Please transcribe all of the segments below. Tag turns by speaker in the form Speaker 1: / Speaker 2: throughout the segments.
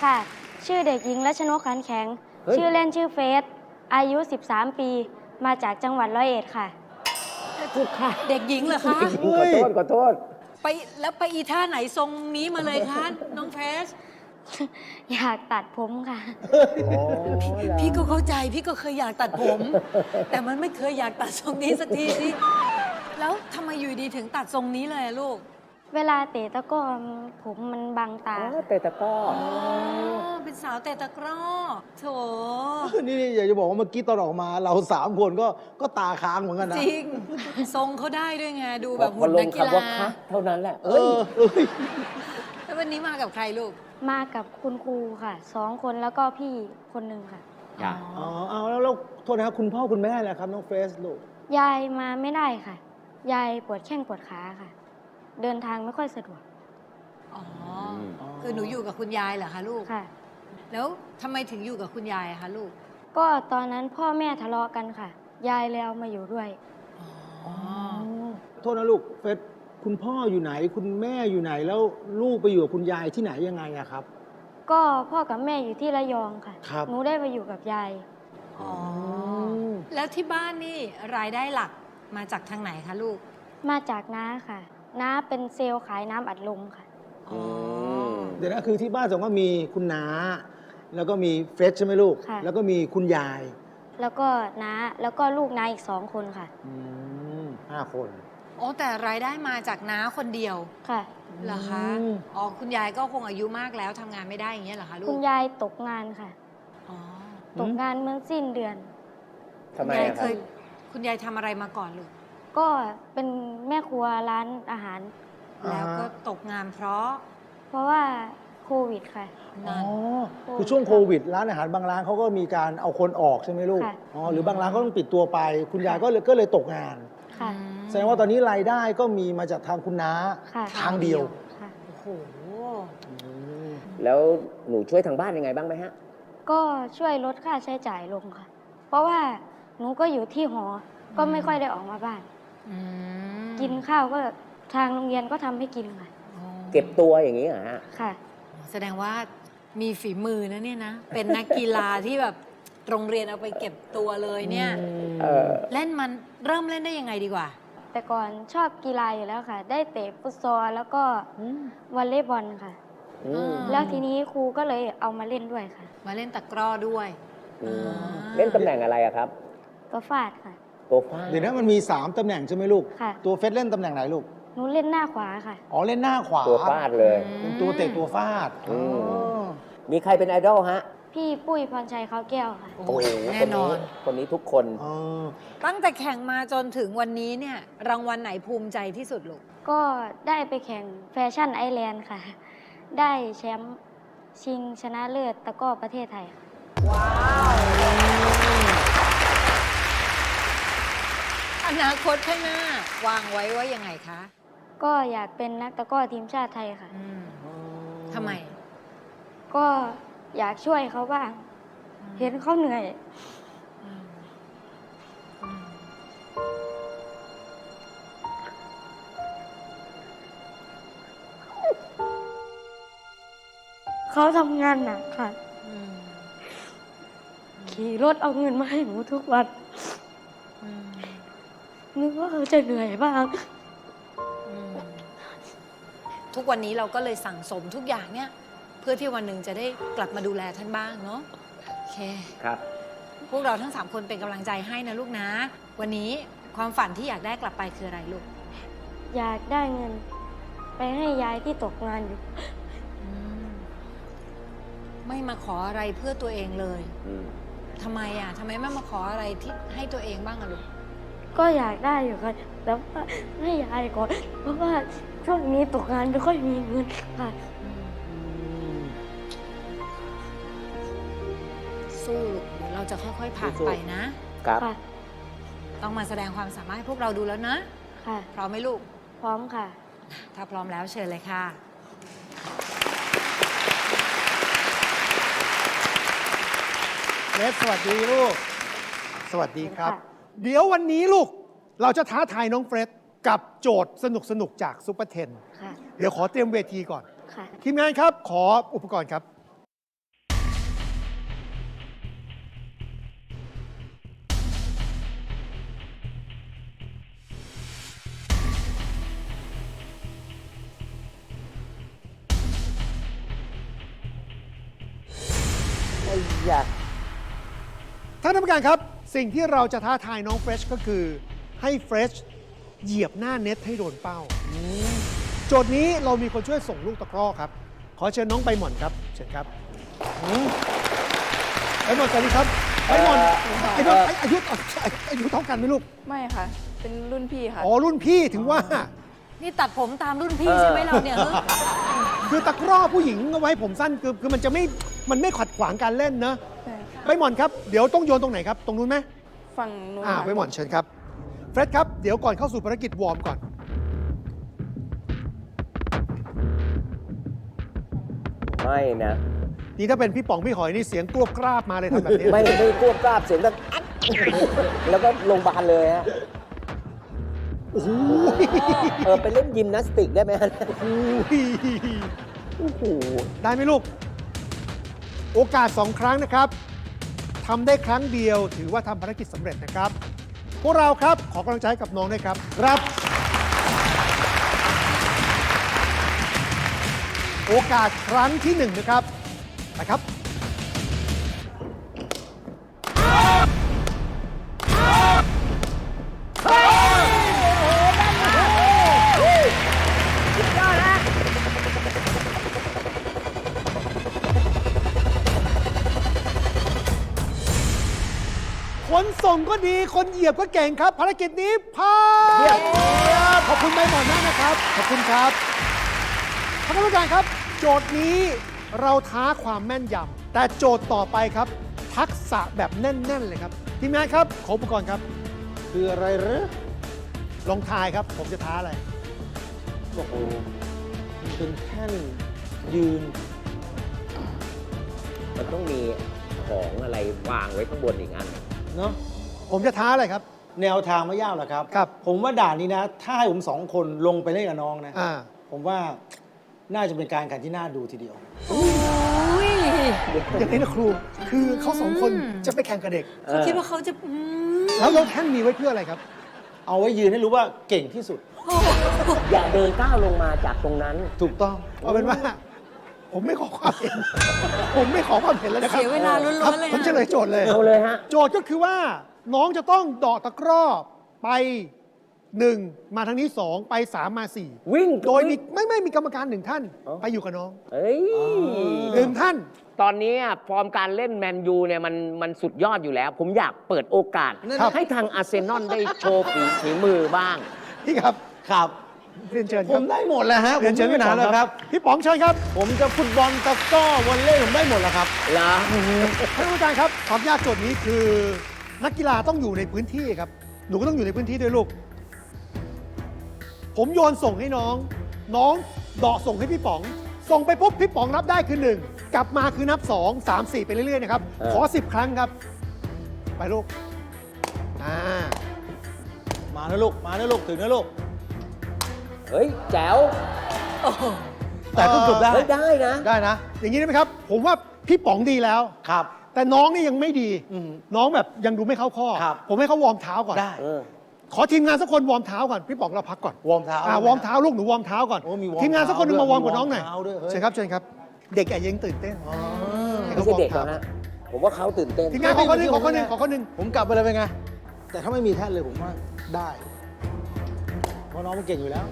Speaker 1: ค่ะ ชื่อเด็กหญิงรัชนกขันแข็ง ชื่อเล่นชื่อเฟส อายุ 13 ปี มาจากจังหวัดร้อยเอ็ดค่ะ
Speaker 2: ถูกค่ะ
Speaker 3: เด็กหญิงเหรอคะ
Speaker 2: ขอโทษ
Speaker 3: ไปแล้วไปอีท่าไหนทรงนี้มาเลยคะน้องเฟส
Speaker 1: อยากตัดผมค่ะ
Speaker 3: พี่ก็เข้าใจพี่ก็เคยอยากตัดผม แต่มันไม่เคยอยากตัดทรงนี้สักทีสิแล้วทำไมอยู่ดีถึงตัดทรงนี้เลยอะลูก
Speaker 1: เวลาเตะตะกร้อผมมันบังตา
Speaker 2: เตะตะกร้อ
Speaker 3: เป็นสาวเตะตะกร้อโถ
Speaker 4: นี่อยากจะบอกว่าเมื่อกี้ตอนออกมาเรา3 คนก็ตาค้างเหมือนกันนะ
Speaker 3: จริง ทรงเขาได้ด้วยไง ดูแบบ
Speaker 2: พ
Speaker 3: หุ่
Speaker 2: อน ล
Speaker 3: นั
Speaker 2: ง
Speaker 3: กกี
Speaker 2: คำว่า
Speaker 3: ฬา
Speaker 2: คะเท่านั้นแหละ
Speaker 4: เอ้ย
Speaker 3: แล้ววันนี้มากับใครลูก
Speaker 1: มากับคุณครูค่ะ 2 คนแล้วก็พี่คนหนึ่งค่ะ
Speaker 2: จ้ะ
Speaker 4: อ๋อเอาแล้วโทษนะครับคุณพ่อคุณแม่แหละครับน้องเฟสลูก
Speaker 1: ยายมาไม่ได้ค่ะ ยายปวดแข้งปวดขาค่ะ เดินทางไม่ค่อยสะดวก
Speaker 3: อ๋อ คือหนูอยู่กับคุณยายเหรอคะลูก
Speaker 1: ค่ะ
Speaker 3: แล้วทำไมถึงอยู่กับคุณยายอะคะลูก
Speaker 1: ก็ตอนนั้นพ่อแม่ทะเลาะกันค่ะ ยายเลยเอามาอยู่ด้วย
Speaker 3: อ๋อ
Speaker 4: โทษนะลูกเฟสคุณพ่ออยู่ไหน คุณแม่อยู่ไหนแล้วลูกไปอยู่กับคุณยายที่ไหนยังไงอะครับ
Speaker 1: ก็พ่อกับแม่อยู่ที่ระยองค่ะ
Speaker 4: ครับ
Speaker 1: หนูได้มาอยู่กับยาย
Speaker 3: อ๋อ แล้วที่บ้านนี่รายได้หลักมาจากทางไหนคะลูก
Speaker 1: มาจากน้าค่ะ น้าเป็นเซลล์ขายน้ำอัดลมค่ะ
Speaker 3: อ๋อ
Speaker 4: เดี๋ยวนะคือที่บ้านสองก็มีคุณน้า แล้วก็มีเฟสใช่ไหมลูก
Speaker 1: ค่ะ
Speaker 4: แล้วก็มีคุณยาย
Speaker 1: แล้วก็น้า แล้วก็ลูกน้าอีก2 คนค่ะ
Speaker 4: 5 คน
Speaker 3: โอ้แต่รายได้มาจากน้าคนเดียว
Speaker 1: ค่ะ
Speaker 3: เหรอคะ อ๋อ คุณยายก็คงอายุมากแล้วทำงานไม่ได้อย่างเงี้ยเหรอคะลูก
Speaker 1: คุณยายตกงานค่ะ
Speaker 3: อ๋อ
Speaker 1: ตกงานเมื่อสิ้นเดือน
Speaker 2: ทำไม
Speaker 3: คุณยาย
Speaker 2: อะค
Speaker 3: เครับ ย
Speaker 2: บ
Speaker 3: คุณยายทำอะไรมาก่อนลูก
Speaker 1: ก็เป็นแม่ครัวร้านอาหาร
Speaker 3: แล้วก็ตกงานเพราะ
Speaker 1: เพราะว่าโควิดค่ะ
Speaker 4: อ๋อ
Speaker 3: นั่น
Speaker 4: คือช่วงโควิดร้านอาหารบางร้านเขาก็มีการเอาคนออกใช่ไหมลูก
Speaker 1: ค่ะ
Speaker 4: อ๋อหรือบางร้านก็ต้องปิดตัวไป คุณยายก็เลยตกงาน
Speaker 1: ค่ะ
Speaker 4: แสดงว่าตอนนี้รายได้ก็มีมาจากทางคุณน้า
Speaker 1: ค่ะ
Speaker 4: ทางเดียว
Speaker 1: ค่ะ
Speaker 3: โอ้โห
Speaker 2: แล้วหนูช่วยทางบ้านยังไงบ้างไหมฮะ
Speaker 1: ก็ช่วยลดค่าใช้จ่ายลงค่ะ เพราะว่าหนูก็อยู่ที่หอ ก็ไม่ค่อยได้ออกมาบ้าน
Speaker 3: อืม
Speaker 1: กินข้าวก็ทางโรงเรียนก็ทำให้กินค่ะ
Speaker 3: อ๋อ
Speaker 2: เก็บตัวอย่างนี้เหรอฮะ
Speaker 1: ค่ะ
Speaker 3: แสดงว่ามีฝีมือนะเนี่ยนะ เป็นนักกีฬาที่แบบโรงเรียนเอาไปเก็บตัวเลยเนี่ย เล่นมันเริ่มเล่นได้ยังไงดีกว่า
Speaker 1: แต่ก่อนชอบกีฬาอยู่แล้วค่ะ ได้เตะฟุตซอลแล้วก็วอลเลย์บอลค่ะ
Speaker 2: อืม
Speaker 1: แล้วทีนี้ครูก็เลยเอามาเล่นด้วยค่ะ
Speaker 3: มาเล่นตะกร้อด้วย
Speaker 2: อืม
Speaker 3: อ่า
Speaker 2: เล่นตำแหน่งอะไรอะครับ
Speaker 1: ตัวฟาดค่ะ
Speaker 2: ตัวฟ้า
Speaker 4: เดี๋ยวนะมันมี 3 ตำแหน่งใช่ไหมลูก
Speaker 1: ค่ะ
Speaker 4: ตัวเฟสเล่นตำแหน่งไหนลูก
Speaker 1: หนูเล่นหน้าขวาค่ะ
Speaker 4: อ๋อเล่นหน้าขวา
Speaker 2: ตัวฟาดเลย
Speaker 4: เป็นตัวเตะตัวฟาด
Speaker 2: อืม
Speaker 4: อ๋อ
Speaker 2: มีใครเป็นไอดอลฮะ
Speaker 1: พี่ปุ้ยพรชัยเขาแก้วค่ะ
Speaker 3: โอ้ยแน่นอน
Speaker 2: คนนี้ทุกคน
Speaker 4: อ๋อ
Speaker 3: ตั้งแต่แข่งมาจนถึงวันนี้เนี่ย รางวัลไหนภูมิใจที่สุดลูก
Speaker 1: ก็ได้ไปแข่งแฟชั่นไอแลนด์ค่ะ ได้แชมป์ชิงชนะเลิศตะกร้อประเทศไทยค่ะ
Speaker 3: ว้าว อนาคตข้างหน้าวางไว้ว่ายังไงคะ
Speaker 1: ก็อยากเป็นนักตะกร้อทีมชาติไทยค่ะ
Speaker 3: ทำไม
Speaker 1: ก็อยากช่วยเขาบ้าง เห็นเขาเหนื่อย เขาทำงานหนักค่ะ ขี่รถเอาเงินมาให้หนูทุกวัน นึกว่าเขาจะเหนื่อยบ้าง
Speaker 3: ทุกวันนี้เราก็เลยสั่งสมทุกอย่างเนี่ย เพื่อที่วันหนึ่งจะได้กลับมาดูแลท่านบ้างเนาะโอเค
Speaker 2: ครับ
Speaker 3: พวกเราทั้ง 3 คนเป็นกำลังใจให้นะลูกนะ วันนี้ความฝันที่อยากได้กลับไปคืออะไรลูก
Speaker 1: อยากได้เงิน ไปให้ยายที่ตกงานอยู่
Speaker 3: ไม่มาขออะไรเพื่อตัวเองเลย
Speaker 2: อืม
Speaker 3: ทำไมอ่ะทำไมไม่มาขออะไรที่ให้ตัวเองบ้างอะลูก
Speaker 1: ก็อยากได้อยู่ค่ะแต่ว่าให้ยายก่อน เพราะว่าช่วงนี้ตกงานไม่ค่อยมีเงินค่ะ
Speaker 3: สู้ลูกเดี๋ยวเราจะค่อยๆผ่านไปนะ
Speaker 2: ครับ
Speaker 1: ค่ะ
Speaker 3: ต้องมาแสดงความสามารถให้พวกเราดูแล้วนะ
Speaker 1: ค่ะ
Speaker 3: พร้อมไหมลูก
Speaker 1: พร้อมค่ะ
Speaker 3: ถ้าพร้อมแล้วเชิญเลยค่ะ
Speaker 5: เนสสวัสดีลูก สวัสดีครับ
Speaker 1: ค่ะ
Speaker 5: เดี๋ยววันนี้ลูก เราจะท้าทายน้องเฟร็ดกับโจทย์สนุกๆ จากซุปเปอร์เทน
Speaker 1: ค่ะ
Speaker 5: เดี๋ยวขอเตรียมเวทีก่อน
Speaker 1: ค่ะ
Speaker 5: ทีมงานครับ ขออุปกรณ์ครับ
Speaker 2: อย่า
Speaker 5: ท่านกรรมการครับ สิ่งที่เราจะท้าทายน้องเฟรชก็คือให้เฟรชเหยียบหน้าเน็ตให้โดนเป้า โจทย์นี้เรามีคนช่วยส่งลูกตะกร้อครับ ขอเชิญน้องใบหม่อนครับ เชิญครับใบหม่อนสวัสดีครับใบหม่อนอายุเท่ากันไหมลูก
Speaker 6: ไม่ค่ะ เป็นรุ่นพี่ค่ะ
Speaker 5: อ๋อ รุ่นพี่ถึงว่า
Speaker 3: นี่ตัดผมตามรุ่นพี่ใช่ไหมเราเนี่ย
Speaker 5: คือตะกร้อผู้หญิงเอาไว้ผมสั้นคือมันจะไม่ขัดขวางการเล่นเนอะ
Speaker 6: ใช่
Speaker 5: ใบหม่อนครับ เดี๋ยวต้องโยนตรงไหนครับ ตรงนู้นไหม
Speaker 6: ฝั่งนู้น
Speaker 5: ใบหม่อนเชิญครับ เฟร็ดครับ เดี๋ยวก่อนเข้าสู่ภารกิจวอร์มก่อน
Speaker 2: ไม่นะ
Speaker 5: นี่ถ้าเป็นพี่ป๋องพี่หอยนี่เสียงกรวบกราบมาเลยทำแบบนี้
Speaker 2: ไม่ควบกราบเสียงแบบอัดแล้วก็ลงพยาบาลเลยฮะ
Speaker 5: โอ้โห
Speaker 2: ไปเล่นยิมนาสติกได้ไหมฮะ
Speaker 5: โอ้โหได้ไหมลูก โอกาส 2 ครั้งนะครับทำได้ครั้งเดียวถือว่าทำภารกิจสำเร็จนะครับ พวกเราครับขอกำลังใจให้กับน้องด้วยครับครับ โอกาสครั้งที่ 1 นะครับนะครับ คนส่งก็ดี คนเหยียบก็เก่งครับ ภารกิจนี้ผ่านขอบคุณใบหมอนมากนะครับ ขอบคุณครับท่านผู้การครับ โจทย์นี้เราท้าความแม่นยำ แต่โจทย์ต่อไปครับ ทักษะแบบแน่น ๆ เลยครับ ทีมงานครับ ขออุปกรณ์ครับ
Speaker 4: คืออะไรเหรอ
Speaker 5: ลองทายครับ ผมจะท้าอะไร
Speaker 4: โอ้โหมันเป็นแท่นยืน
Speaker 2: มันต้องมีของอะไรวางไว้ข้างบนอีกอัน
Speaker 4: เนาะ
Speaker 5: ผมจะท้าอะไรครับ
Speaker 4: แนวทางไม่ยากหรอกครับ
Speaker 5: ครับ
Speaker 4: ผมว่าด่านนี้นะ ถ้าให้ผม2 คนลงไปเล่นกับน้องนะ
Speaker 5: อ่า
Speaker 4: ผมว่าน่าจะเป็นการแข่งที่น่าดูทีเดียว
Speaker 5: อย่างนี้นะครู คือเขาสองคนจะไปแข่งกับเด็ก
Speaker 3: เขาคิดว่าเขาจะ
Speaker 5: แล้วเราแท่นมีไว้เพื่ออะไรครับ
Speaker 4: เอาไว้ยืนให้รู้ว่าเก่งที่สุด
Speaker 2: อย่าเดินก้าวลงมาจากตรงนั้น
Speaker 4: ถูกต้อง
Speaker 5: เอาเป็นว่า ผมไม่ขอความเห็น ผมไม่ขอความเห็นแล้วนะครับ
Speaker 3: เสียเวลาล้
Speaker 5: ครับ
Speaker 3: วนๆเลย
Speaker 5: ผมเฉลยโจทย์เลย
Speaker 2: เอาเลยฮะ
Speaker 5: โจทย์ก็คือว่าน้องจะต้องเดาะตะกร้อไป 1 มาทางนี้ 2 ไป 3 มา
Speaker 2: วิ่ง
Speaker 5: 4 โดยมีไม่มีกรรมการ 1 ท่าน
Speaker 2: อ๋อ
Speaker 5: ไปอยู่กับน้อง
Speaker 2: เอ้ย
Speaker 5: 1 ท่าน
Speaker 2: ตอนนี้ฟอร์มการเล่นแมนยูเนี่ยมันสุดยอดอยู่แล้ว ผมอยากเปิดโอกาส
Speaker 5: ครับ
Speaker 2: ให้ทางอาร์เซนอลได้โชว์ฝีมือบ้าง
Speaker 5: พี่ครับ
Speaker 4: ครับ
Speaker 5: เรียนเชิญค
Speaker 4: ผ
Speaker 5: รับ
Speaker 4: มได้หมดแล้วฮะ
Speaker 5: เรียนเชิญ
Speaker 4: ผมไม่มีปัญหา
Speaker 5: พี่ป๋อง
Speaker 4: แล้วครับ
Speaker 5: พี่ป๋องเชิญครับ
Speaker 4: ผมจะฟุตบอลตะกร้อวอลเลย์ผมได้หมดแล้วครับ
Speaker 2: เหรอ
Speaker 5: ท่านผู้การครับความยากโจทย์นี้คือ นักกีฬาต้องอยู่ในพื้นที่ครับ หนูก็ต้องอยู่ในพื้นที่ด้วยลูก ผมโยนส่งให้น้อง น้องเดาะส่งให้พี่ป๋อง ส่งไปปุ๊บพี่ป๋องรับได้คือ 1 กลับมาคือนับ 2 3 4 ไปเรื่อยๆนะครับ ขอ 10 ครั้งครับ ไปลูก
Speaker 4: มานะลูก มานะลูก ถึงนะลูก
Speaker 2: เฮ้ย แจ๋ว
Speaker 4: แต่ต้องจบได้
Speaker 2: เฮ้ย ได้นะ
Speaker 4: ได้นะ
Speaker 5: อย่างนี้ได้ไหมครับ ผมว่าพี่ป๋องดีแล้ว
Speaker 4: ครับ
Speaker 5: แต่น้องนี่ยังไม่ดี
Speaker 4: อืม
Speaker 5: น้องแบบยังดูไม่เข้าข้อ
Speaker 4: ครับ
Speaker 5: ผมให้เขาวอร์มเท้าก่อน
Speaker 4: ได้
Speaker 5: ขอทีมงานสักคนวอร์มเท้าก่อน พี่ป๋องเราพักก่อน
Speaker 4: วอร์มเท้าว
Speaker 5: อร์มเท้าลูกหนูวอร์มเท้าก่อน
Speaker 4: โอ้มีวอร์ม
Speaker 5: ทีมงานสักคนหนึงมาวอร์มกับ
Speaker 4: เท้า
Speaker 5: น้องหน่อย
Speaker 4: เท้าด้วยเฮ้ย
Speaker 5: เชิญครับเชิญครับ เด็กแอบยังตื่นเต้นให้
Speaker 2: ไม่
Speaker 5: ขา
Speaker 2: ใช่เด็ก
Speaker 5: ว
Speaker 2: หร
Speaker 5: อ
Speaker 2: อก
Speaker 5: ร์ม
Speaker 2: ฮะ ผมว่าเขาตื่นเต้น
Speaker 5: ทีมงานขอคนหนึงขอคนหนึงขอคนหนึง
Speaker 4: ผมกลับไปเลยเป็นไง แต่ถ้าไม่มีแท่นเลยผมว่าได้ เพราะน้องมันเก่งอยู่แล้ว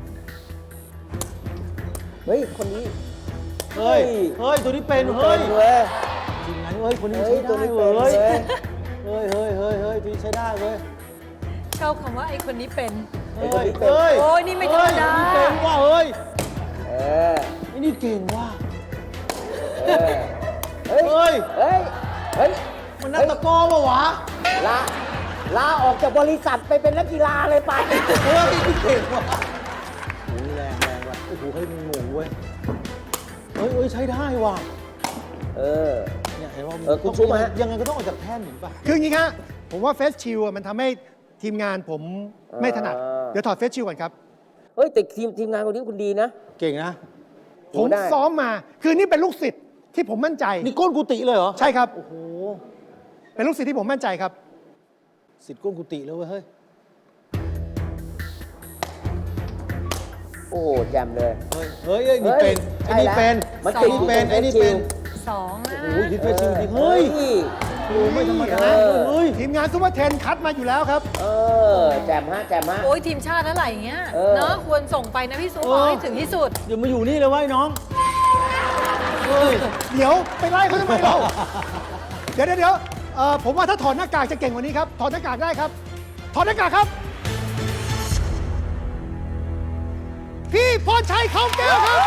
Speaker 2: เฮ้ย คนนี้
Speaker 4: เฮ้ย เฮ้ย ตัวนี้เป็น เฮ้ย
Speaker 2: เว้ย
Speaker 4: จริงไหมเฮ้ย คนนี้
Speaker 2: เฮ้
Speaker 4: ใช้
Speaker 2: ย ตัว
Speaker 4: ได้
Speaker 2: นี้
Speaker 4: เว้
Speaker 2: เป็น
Speaker 4: ย
Speaker 2: เว้ย
Speaker 4: เฮ้ย เฮ้ย เฮ้ย เฮ้ยตัวนี้ใช้ได้เว้ย
Speaker 3: ชอบคำว่าไอ้คนนี้เป็น
Speaker 2: ไอ้
Speaker 4: เฮ้
Speaker 2: คน
Speaker 4: ย
Speaker 2: นี้เป็น
Speaker 4: เฮ้ย
Speaker 3: โอ้ยนี่ไม่ธรรมดา
Speaker 4: เฮ้ยนี่เก่งว่ะเฮ้ย
Speaker 2: เออ
Speaker 4: ไอ้นี่เก่งว่ะ
Speaker 2: เออ เฮ้ย
Speaker 4: เฮ้ย
Speaker 2: เฮ้ย เฮ้ย
Speaker 4: มันนักตะกร้อปะวะ
Speaker 2: ลาออกจากบริษัทไปเป็นนักกีฬาเลยไป
Speaker 4: เฮ้ยนี่เก่งว่ะโอ้ยแรงว่ะ โอ้โหเฮ้ยมันหมูเว้ย เฮ้ยเฮ้ยใช้ได้ว่ะ
Speaker 2: เออ
Speaker 4: เนี่ยเห็นว่า
Speaker 2: คุณชุบฮะ
Speaker 4: ยังไงก็ต้องออกจากแท่นเห็นป่ะ
Speaker 5: คืออย่างนี้ครับผมว่าเฟสชิลมันทำให้ทีมงานผมไม่ถนัด เดี๋ยวถอดเฟสชิลก่อนครับ
Speaker 2: เฮ้ย แต่ทีมงานคนนี้คุณดีนะ
Speaker 4: เก่งนะ
Speaker 5: ผม
Speaker 2: ได้
Speaker 5: ซ้อมมา คือนี่เป็นลูกศิษย์ที่ผมมั่นใจ
Speaker 4: นี่ก้นกุฏิเลยเหรอ
Speaker 5: ใช่ครับ
Speaker 4: โอ้โห
Speaker 5: เป็นลูกศิษย์ที่ผมมั่นใจครับ
Speaker 4: สิทธิ์ก้นกุฏิเลยเว้ยเฮ้ย
Speaker 2: โอ้โหแจ่มเลย
Speaker 4: เฮ้ยเฮ้ยนี่เป็น
Speaker 2: เฮ้
Speaker 4: ไอ้
Speaker 2: ย
Speaker 4: นี่เป็น
Speaker 2: มัน
Speaker 4: ไอ้
Speaker 2: ติด
Speaker 4: นี่เป็น
Speaker 2: อยู่ตรง
Speaker 4: ไอ้นี่เป็น
Speaker 2: เฟซ
Speaker 3: 2นะ
Speaker 4: โอ้ยยิงไปจริงจริงเฮ้ยโอ้ไม่ธรรมดาเฮ้ย
Speaker 5: ทีมงานซุปเปอร์เทนคัดมาอยู่แล้วครับ
Speaker 2: แจมฮะแจมฮะ
Speaker 3: โอ้ยทีมชาติอะไรอย่างเงี้ย เนาะควรส่งไปนะพี่ซุป
Speaker 4: เออ
Speaker 3: เอาให้ถึงที่สุด
Speaker 4: เดี๋ยวมาอยู่นี่เลยไว้น้องเฮ้ย
Speaker 5: เดี๋ยวไปไล่เขาทำไมเราเดี๋ยวผมว่าถ้าถอดหน้ากากจะเก่งกว่านี้ครับ ถอดหน้ากากได้ครับ ถอดหน้ากากครับ พี่พรชัยเขาแก้วครับ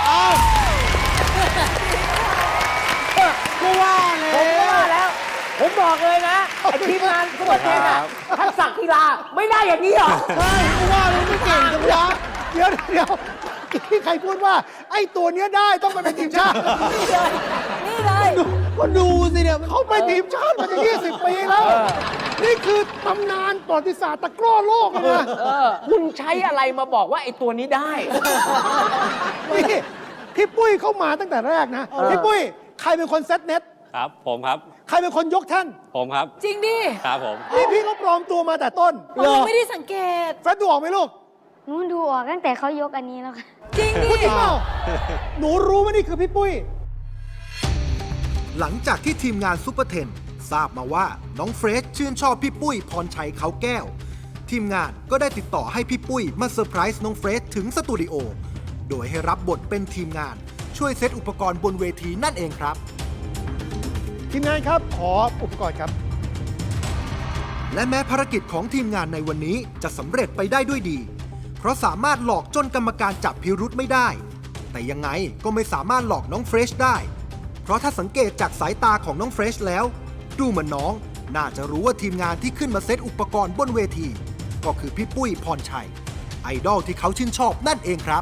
Speaker 4: ก็ว่าเลย
Speaker 2: ผมว่าแล้ว ผมบอกเลยนะไอทีมงานทุกประเทศอะทักษะกีฬาไม่ได้อย่างนี้หรอ
Speaker 5: ใช่ก็ว่าเลยไม่เก่งจังวะเดี๋ยวที่ใครพูดว่า ไอ้ตัวเนี้ยได้ต้องไปเป็นทีมชาติ
Speaker 3: นี่เลย
Speaker 4: ก็ดูสิเนี่ย
Speaker 5: เขาไปทีมชาติมาจะ20 ปีแล้ว นี่คือตำนานประวัติศาสตร์ตะกร้อโลกเลยนะ
Speaker 2: คุณใช้อะไรมาบอกว่าไอตัวนี้ได้
Speaker 5: นี่พี่ปุ้ยเข้ามาตั้งแต่แรกนะ พี่ปุ้ยใครเป็นคนเซตเน็ต
Speaker 7: ครับผมครับ
Speaker 5: ใครเป็นคนยกแท่น
Speaker 7: ผมครับ
Speaker 3: จริงดิ
Speaker 7: ครับผม
Speaker 5: นี่พี่ก็ปลอมตัวมาแต่ต้น
Speaker 3: เราไม่ได้สังเกต
Speaker 5: เฟรดดูออกไหมลูก
Speaker 1: หนูดูออกตั้งแต่เขายกอันนี้แล้วค่ะ
Speaker 3: จริงดิ
Speaker 5: พูดจริงเปล่าหนูรู้ว่านี่คือพี่ปุ้ย
Speaker 8: หลังจากที่ทีมงานซุปเปอร์เทนทราบมาว่าน้องเฟรชชื่นชอบพี่ปุ้ยพรชัยเขาแก้ว ทีมงานก็ได้ติดต่อให้พี่ปุ้ยมาเซอร์ไพรส์น้องเฟรชถึงสตูดิโอโดยให้รับบทเป็นทีมงานช่วยเซตอุปกรณ์บนเวทีนั่นเองครับ
Speaker 5: ทีมงานครับ ขออุปกรณ์ครับ
Speaker 8: และแม้ภารกิจของทีมงานในวันนี้จะสำเร็จไปได้ด้วยดี เพราะสามารถหลอกจนกรรมการจับพิรุธไม่ได้ แต่ยังไงก็ไม่สามารถหลอกน้องเฟรชได้ เพราะถ้าสังเกตจากสายตาของน้องเฟรชแล้ว ดูเหมือนน้องน่าจะรู้ว่าทีมงานที่ขึ้นมาเซตอุปกรณ์บนเวที ก็คือพี่ปุ้ยพรชัย ไอดอลที่เขาชื่นชอบนั่นเองครับ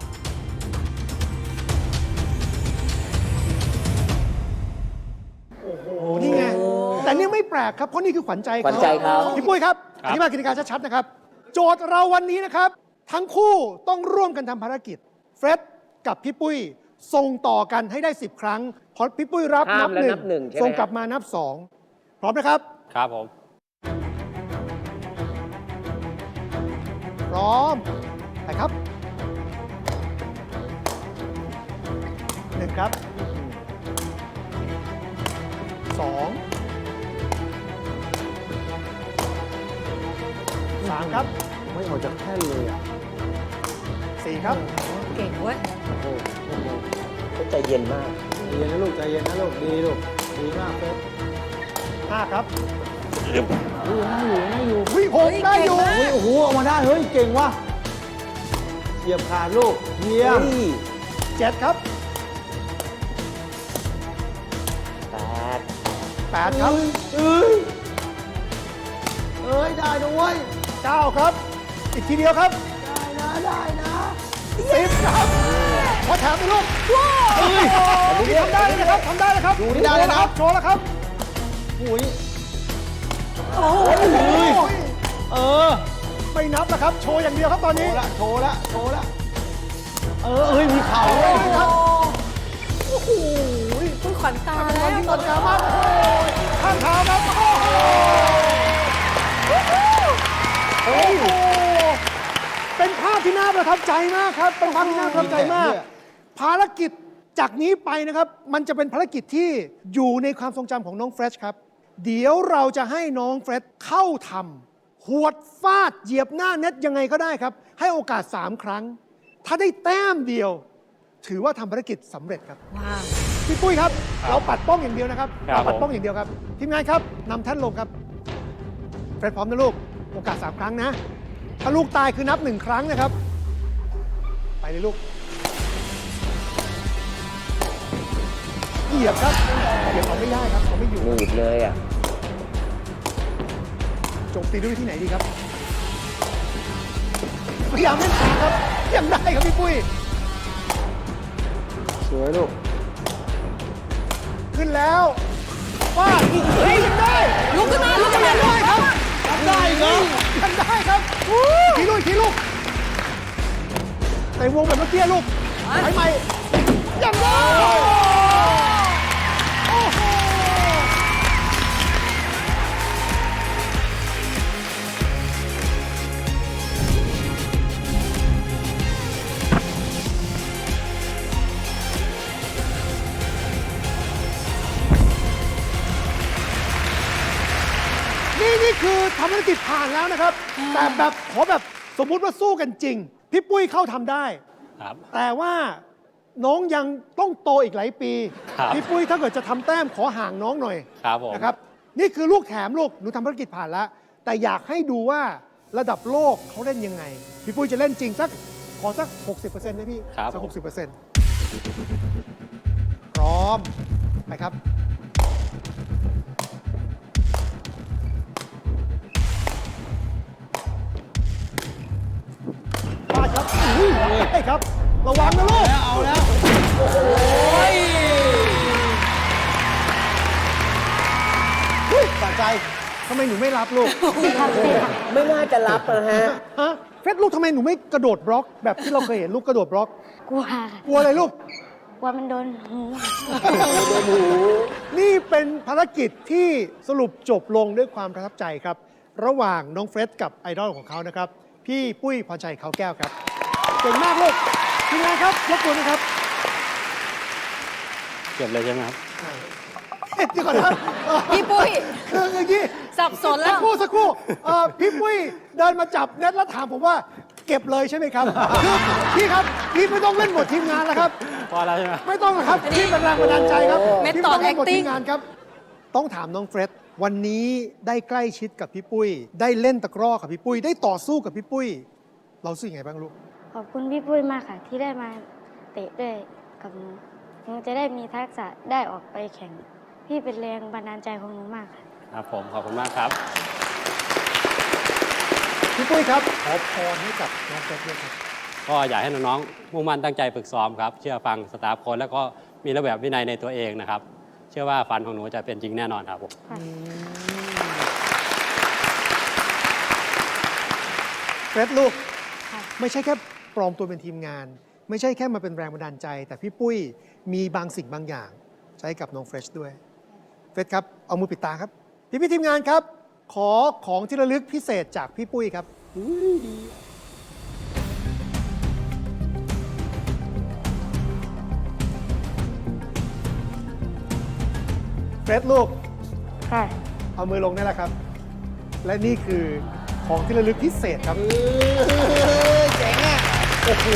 Speaker 5: โอ้นี่ไง แต่นี่ไม่แปลกครับ เพราะนี่คือขวัญใจ
Speaker 2: ขวัญใจเขา
Speaker 5: พี่ปุ้ยครับอธิบายกติกาชัดๆนะครับ โจทย์เราวันนี้นะครับ ทั้งคู่ต้องร่วมกันทำภารกิจ เฟร็ดกับพี่ปุ้ยส่งต่อกันให้ได้ 10 ครั้ง พอพี่ปุ้ยรับ
Speaker 2: ห้า
Speaker 5: นั
Speaker 2: ม
Speaker 5: บ
Speaker 2: แล้ว
Speaker 5: หนึ่
Speaker 2: นับหนึ่งใช่ไหม
Speaker 5: ส่งกลับมานับ 2 พร้อมนะครับ
Speaker 7: ครับผม
Speaker 5: พร้อมไปครับหนึ่งครับ2 3 ครับ
Speaker 4: ไม่ออกจากแท่นเลยอ่ะ
Speaker 5: 4 ครับ
Speaker 3: เก่งเว้ย
Speaker 2: เขาใจเย็นมาก
Speaker 4: ใจเย็นนะลูกใจเย็นนะลูกดีลูกดีมากเฟส
Speaker 5: 5 ครับ
Speaker 4: ได้อยู่
Speaker 5: วิหกได้อยู่
Speaker 4: เฮ้ยโอ้โหออกมาได้เฮ้ยเก่งว่ะเหยียบขาดลูกเยี่ยม
Speaker 5: 7 ครับ 8 ครับ
Speaker 4: เอ้ยได้ด้วย
Speaker 5: 9 ครับ อีกทีเดียวครับ
Speaker 4: ได้นะ
Speaker 5: 10 ครับขอแถมไปลูกเฮ้ยทำได้เลยนะครับทำได้เลยครับ
Speaker 4: ดูนี่ได้เลยนะ
Speaker 5: โชว์แล้วครับ
Speaker 4: โอ้ย
Speaker 5: โอ้ย
Speaker 4: เออ
Speaker 5: ไม่นับแล้วครับ โชว์อย่างเดียวครับตอน
Speaker 4: โช
Speaker 5: นี้
Speaker 4: ว์ละโชว์ละโชว์ละเอ้ยมีเข่าด้วย
Speaker 5: ครับโอ้โห
Speaker 3: คุณขวัญตา
Speaker 5: ต
Speaker 3: แล้
Speaker 5: อน
Speaker 3: ว
Speaker 5: นี้ตอนกลางมากโอ้โหข้างเท้าครับโอ้โหเป็นภาพที่น่าประทับใจมากครับ เป็นภาพที่น่าประทับใจมาก ภารกิจจากนี้ไปนะครับ มันจะเป็นภารกิจที่อยู่ในความทรงจำของน้องเฟรชครับ เดี๋ยวเราจะให้น้องเฟรชเข้าทำหวดฟาดเหยียบหน้าเน็ตยังไงก็ได้ครับ ให้โอกาส 3 ครั้ง ถ้าได้แต้มเดียว ถือว่าทำภารกิจสำเร็จครับ
Speaker 3: ว้าว
Speaker 5: พี่ปุ้ยครับ เราปัดป้องอย่างเดียวนะครับ
Speaker 7: ครับ
Speaker 5: เราปัดป้องอย่างเดียวครับ ทีมงานครับนำแท่นลงครับเฟรชพร้อมนะลูก โอกาส 3 ครั้งนะ ถ้าลูกตายคือนับ 1 ครั้งนะครับ ไปเลยลูก เหยียบครับเหยียบเอาไม่ได้ครับเขาไม่อยู่
Speaker 2: หนืดเลยอ่ะ
Speaker 5: โจมตีด้วยวิธีไหนดีครับ พยายามเล่นขาครับ ยังได้ครับพี่ปุ้ย
Speaker 4: สวยลูก
Speaker 5: ขึ้นแล้วฟาดเฮ้ยยังได้
Speaker 3: ลุกขึ้นมาลุกขึ้นมา
Speaker 5: ได้ครับยังได้ครับยังได้ครับทีลูกทีลูกแต่วงแบบเมื่อกี้ลูกไปใหม่ยังได้โอ้โหคือทำภารกิจผ่านแล้วนะครับ แต่แบบขอแบบสมมุติว่าสู้กันจริง พี่ปุ้ยเข้าทำได้
Speaker 7: ครับ
Speaker 5: แต่ว่าน้องยังต้องโตอีกหลายปี
Speaker 7: ครับ
Speaker 5: พี่ปุ้ยถ้าเกิดจะทำแต้มขอห่างน้องหน่อย
Speaker 7: ครับผม
Speaker 5: นะครับ นี่คือลูกแถมลูก หนูทำภารกิจผ่านแล้ว แต่อยากให้ดูว่าระดับโลกเขาเล่นยังไง พี่ปุ้ยจะเล่นจริงสักขอสัก 60%นะพี่
Speaker 7: ครับ
Speaker 5: สัก
Speaker 7: ผม
Speaker 5: 60%พร้อม ไปครับ มาครับอุ้ยได้ครับ ระวังนะลูก
Speaker 4: เอาแล้ว
Speaker 5: อุ้ยสะใจทำไมหนูไม่รับลูก
Speaker 1: ทำเสร็จค่ะ
Speaker 2: ไม่น่าจะรับนะฮะ
Speaker 5: ฮะเฟซลูกทำไมหนูไม่กระโดดบล็อก แบบที่เราเคยเห็นลูกกระโดดบล็อก
Speaker 1: กลัวค่ะ
Speaker 5: กลัวอะไรลูก
Speaker 1: กลัวมันโดนหู
Speaker 5: นี่เป็นภารกิจที่สรุปจบลงด้วยความประทับใจครับ ระหว่างน้องเฟรดกับไอดอลของเขานะครับ พี่ปุ้ยพรชัยเขาแก้วครับ เก่งมากลูกทีมงานครับรบกวนนะครับ
Speaker 7: เก็บเลยใช่ไหมครับ
Speaker 5: เอ๊ะเดี๋ยวก่อนนะครับ
Speaker 3: พี่ปุ้ย
Speaker 5: คืออย่างนี้
Speaker 3: สับสนแล้ว
Speaker 5: สักครู่พี่ปุ้ยเดินมาจับเน็ตแล้วถามผมว่าเก็บเลยใช่ไหมครับคือพี่ครับพี่ไม่ต้องเล่นบททีมงานแล้วครับ
Speaker 7: พอแล้วใช่ไหม
Speaker 5: ไม่ต้องหรอกครับพี่เป็นแรงบันดาลใจครับ
Speaker 3: เมธ
Speaker 5: พี่
Speaker 3: อด
Speaker 5: ไต้องเล่นบท
Speaker 3: acting
Speaker 5: ทีมงานครับ ต้องถามน้องเฟรดวันนี้ได้ใกล้ชิดกับพี่ปุ้ย ได้เล่นตะกร้อกับพี่ปุ้ย ได้ต่อสู้กับพี่ปุ้ย เรารู้สึกยังไงบ้างลูก
Speaker 1: ขอบคุณพี่ปุ้ยมากค่ะ ที่ได้มาเตะด้วยกับหนูหนูจะได้มีทักษะได้ออกไปแข่ง พี่เป็นแรงบันดาลใจของหนูมากค่ะ
Speaker 7: ครับผม ขอบคุณมากครับ
Speaker 5: พี่ปุ้ยครับขอพรให้กับน้องเฟรดด้วยครับ
Speaker 7: ก็อยากให้น้องๆมุ่งมั่นตั้งใจฝึกซ้อมครับ เชื่อฟังสตาฟโค้ชแล้วก็มีระเบียบวินัยในตัวเองนะครับ เชื่อว่าฝันของหนูจะเป็นจริงแน่นอนครับผม
Speaker 1: ค่ะ
Speaker 5: เฟรดลูก
Speaker 1: ค่ะ
Speaker 5: ไม่ใช่แค่ปลอมตัวเป็นทีมงาน ไม่ใช่แค่มาเป็นแรงบันดาลใจ แต่พี่ปุ้ยมีบางสิ่งบางอย่าง ใช้กับน้องเฟรชด้วย เฟรชครับ เอามือปิดตาครับ พี่ทีมงานครับ ขอของที่ระลึกพิเศษจากพี่ปุ้ยครับเฟรชลูก
Speaker 1: ค่ะ
Speaker 5: เอามือลงได้แล้วครับ และนี่คือของที่ระลึกพิเศษครับ
Speaker 4: เจ๋งอ่ะ
Speaker 5: โอ้โห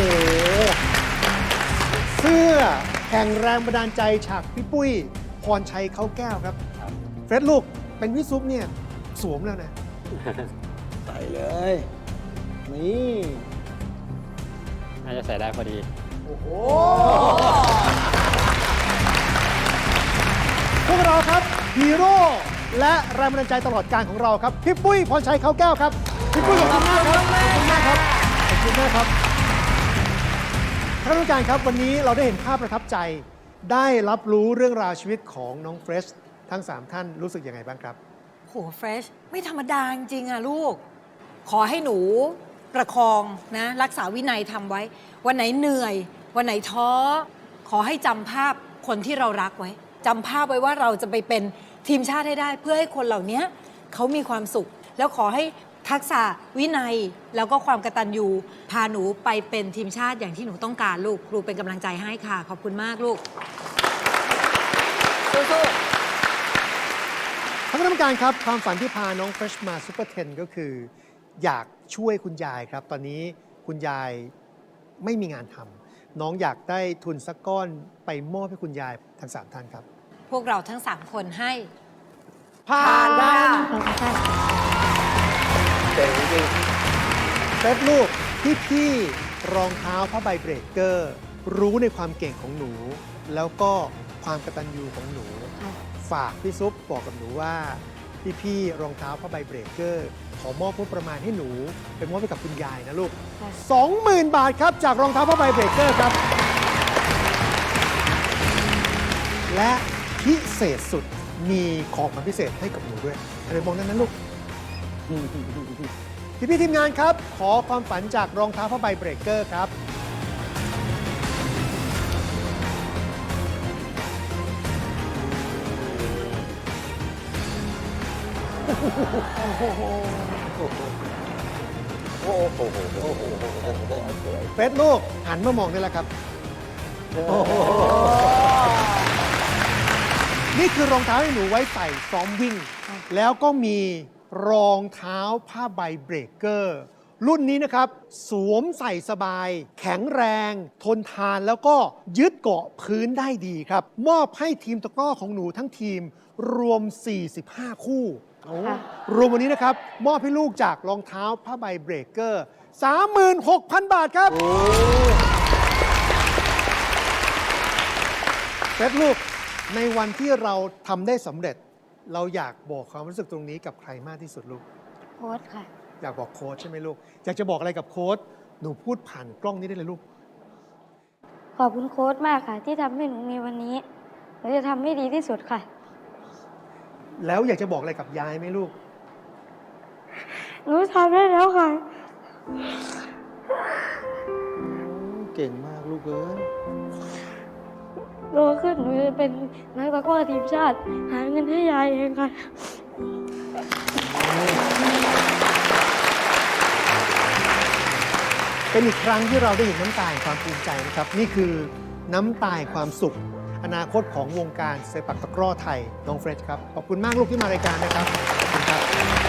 Speaker 5: เสื้อแห่งแรงบันดาลใจฉากพี่ปุ้ย พรชัยเขาแก้วครับ เฟรดลูก เป็นวิซุปเนี่ย สวมแล้วนะ
Speaker 4: ใส่เลย นี่
Speaker 7: น่าจะใส่ได้พอดี
Speaker 5: โอ้โห พวกเราครับฮีโร่และแรงบันดาลใจตลอดการของเราครับ พี่ปุ้ยพรชัยเขาแก้วครับ พี่ปุ้ยขอบคุณมากครับ ขอบคุณมากครับ ขอบคุณมากครับท่านผู้การครับวันนี้เราได้เห็นภาพประทับใจ ได้รับรู้เรื่องราวชีวิตของน้องเฟรชทั้ง 3 ท่านรู้สึกยังไงบ้างครับ
Speaker 3: โหเฟรชไม่ธรรมดาจริงๆอะลูก ขอให้หนูประคองนะ รักษาวินัยทำไว้ วันไหนเหนื่อย วันไหนท้อ ขอให้จำภาพคนที่เรารักไว้จำภาพไว้ว่าเราจะไปเป็นทีมชาติให้ได้ เพื่อให้คนเหล่านี้เขามีความสุข แล้วขอให้ทักษะวินัยแล้วก็ความกตัญญูพาหนูไปเป็นทีมชาติอย่างที่หนูต้องการลูกครูเป็นกำลังใจให้ค่ะ ขอบคุณมากลูกสู้ๆ
Speaker 5: ท่านคณะกรรมการครับ ความฝันที่พาน้องเฟรชมาซูเปอร์10ก็คือ อยากช่วยคุณยายครับ ตอนนี้คุณยายไม่มีงานทำน้องอยากได้ทุนสักก้อนไปมอบให้คุณยายทั้ง 3 ท่านครับ
Speaker 3: พวกเราทั้ง 3 คนให้
Speaker 5: ผ่านได้
Speaker 1: ขอบคุณค่ะ
Speaker 2: เจ๋งจริง
Speaker 5: เฟรชลูกพี่ๆรองเท้าผ้าใบเบรกเกอร์ รู้ในความเก่งของหนู แล้วก็ความกตัญญูของหนู
Speaker 1: ค่ะ
Speaker 5: ฝากพี่ซุปบอกกับหนูว่าพี่ๆรองเท้าผ้าใบเบรกเกอร์ ขอมอบงบประมาณให้หนูไปมอบให้กับคุณยายนะลูก
Speaker 1: ค่ะ
Speaker 5: 20,000 บาทครับ จากรองเท้าผ้าใบเบรกเกอร์ครับ และพิเศษสุดมีของขวัญพิเศษให้กับหนูด้วยอะไรมองนั้นนะลูก พี่ๆทีมงานครับ ขอความฝันจากรองเท้าผ้าใบเบรกเกอร์ครับ เฟสลูกหันมามองได้แล้วครับ นี่คือรองเท้าให้หนูไว้ใส่ซ้อมวิ่ง แล้วก็มีรองเท้าผ้าใบเบรกเกอร์ รุ่นนี้นะครับ สวมใส่สบาย แข็งแรง ทนทานแล้วก็ยึดเกาะพื้นได้ดีครับ มอบให้ทีมตะกร้อของหนูทั้งทีมรวม 45 คู่
Speaker 1: ค่ะ
Speaker 5: รวมวันนี้นะครับ มอบให้ลูกจากรองเท้าผ้าใบเบรกเกอร์ 36,000 บาทครับเฟสลูกในวันที่เราทำได้สำเร็จ เราอยากบอกความรู้สึกตรงนี้กับใครมากที่สุดลูก
Speaker 1: โค้ชค่ะ
Speaker 5: อยากบอกโค้ชใช่ไหมลูก อยากจะบอกอะไรกับโค้ชหนูพูดผ่านกล้องนี้ได้เลยลูก
Speaker 1: ขอบคุณโค้ชมากค่ะ ที่ทำให้หนูมีวันนี้หนูจะทำให้ดีที่สุดค่ะ
Speaker 5: แล้วอยากจะบอกอะไรกับยายไหมลูก
Speaker 1: หนูทำได้แล้วค่ะ
Speaker 4: เก่งมากลูกเอ้ย
Speaker 1: โตขึ้นหนูจะเป็นนักตะกร้อทีมชาติ หาเงินให้ยายเองค่ะ
Speaker 5: เป็นอีกครั้งที่เราได้เห็นน้ำตาแห่งความภูมิใจนะครับ นี่คือน้ำตาแห่งความสุข อนาคตของวงการเซปักตะกร้อไทยน้องเฟรชครับ ขอบคุณมากลูกที่มารายการนะครับขอบคุณครับ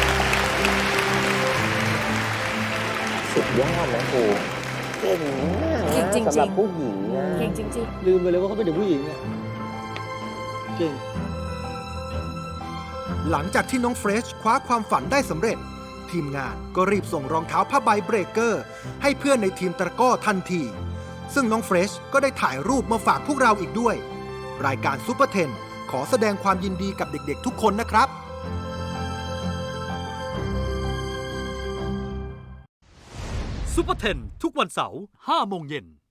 Speaker 2: สุดยอดนะโอ้เก่งมาก
Speaker 3: เก่ง
Speaker 2: นะ
Speaker 3: จริงๆ
Speaker 2: สำหรับผู้หญิงนะ
Speaker 3: เก่งจริง
Speaker 4: ลืมไปเลยว่าเขาเป็นเด็กผู้หญิงอะเก่ง
Speaker 8: หลังจากที่น้องเฟรชคว้าความฝันได้สำเร็จ ทีมงานก็รีบส่งรองเท้าผ้าใบเบรกเกอร์ ให้เพื่อนในทีมตะกร้อทันที ซึ่งน้องเฟรชก็ได้ถ่ายรูปมาฝากพวกเราอีกด้วย รายการซุปเปอร์เทนขอแสดงความยินดีกับเด็กๆทุกคนนะครับ
Speaker 9: ซุปเปอร์เทนทุกวันเสาร์ 5 โมงเย็น